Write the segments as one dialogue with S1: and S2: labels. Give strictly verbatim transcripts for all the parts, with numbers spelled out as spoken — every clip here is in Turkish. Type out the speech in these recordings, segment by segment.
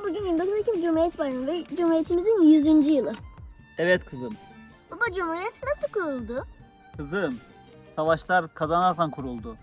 S1: bugün yirmi dokuz Ekim Cumhuriyet Bayramı ve Cumhuriyetimizin yüzüncü yılı.
S2: Evet kızım.
S1: Baba, Cumhuriyet nasıl kuruldu?
S2: Kızım, savaşlar kazanarsan kuruldu.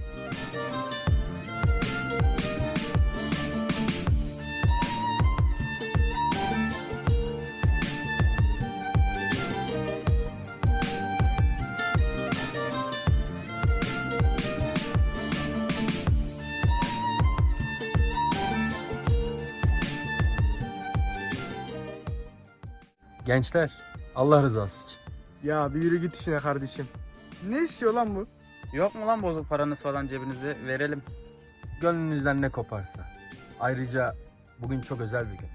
S3: Gençler, Allah rızası için.
S4: Ya bir yürü git işine kardeşim. Ne istiyor lan bu?
S5: Yok mu lan bozuk paranız falan cebinize verelim.
S3: Gönlünüzden ne koparsa. Ayrıca bugün çok özel bir gün.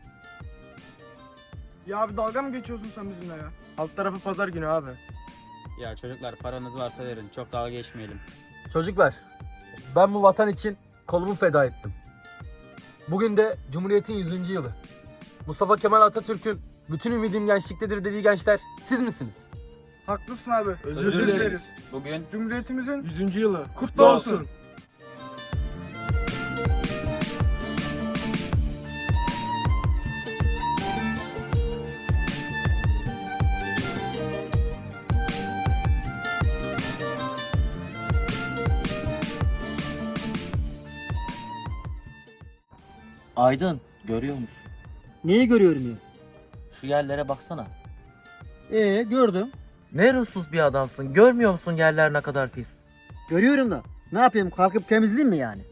S4: Ya abi dalga mı geçiyorsun sen bizimle ya? Alt tarafı pazar günü abi.
S5: Ya çocuklar paranız varsa verin, çok dalga geçmeyelim.
S3: Çocuklar, ben bu vatan için kolumu feda ettim. Bugün de Cumhuriyet'in yüzüncü yılı. Mustafa Kemal Atatürk'ün bütün ümidim gençliktedir dediği gençler siz misiniz?
S4: Haklısın abi. Özür,
S5: Özür
S4: dileriz.
S5: dileriz. Bugün
S4: Cumhuriyetimizin yüzüncü yılı kutlu
S5: Kutlu
S4: olsun.
S5: olsun.
S6: Aydın, görüyor musun?
S7: Neyi görüyorum ya?
S6: Şu yerlere baksana.
S7: Ee gördüm.
S6: Ne ruhsuz bir adamsın. Görmüyor musun yerler ne kadar pis?
S7: Görüyorum da. Ne yapayım, kalkıp temizleyeyim mi yani?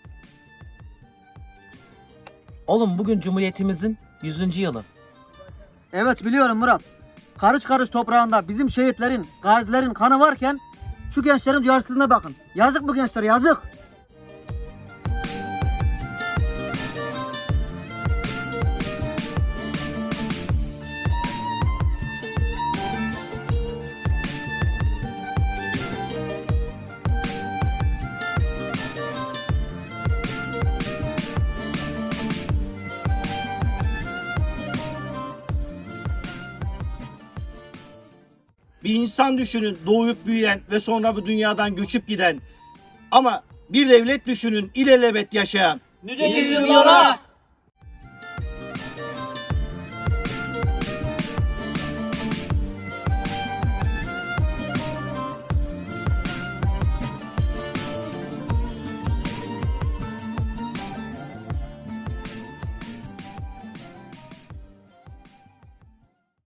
S6: Oğlum bugün Cumhuriyetimizin yüzüncü yılı.
S7: Evet biliyorum Murat. Karış karış toprağında bizim şehitlerin, gazilerin kanı varken şu gençlerin duyarsızlığına bakın. Yazık bu gençlere, yazık.
S8: Bir insan düşünün, doğup büyüyen ve sonra bu dünyadan göçüp giden. Ama bir devlet düşünün, ilelebet yaşayan.
S6: Nice yüzyıllara!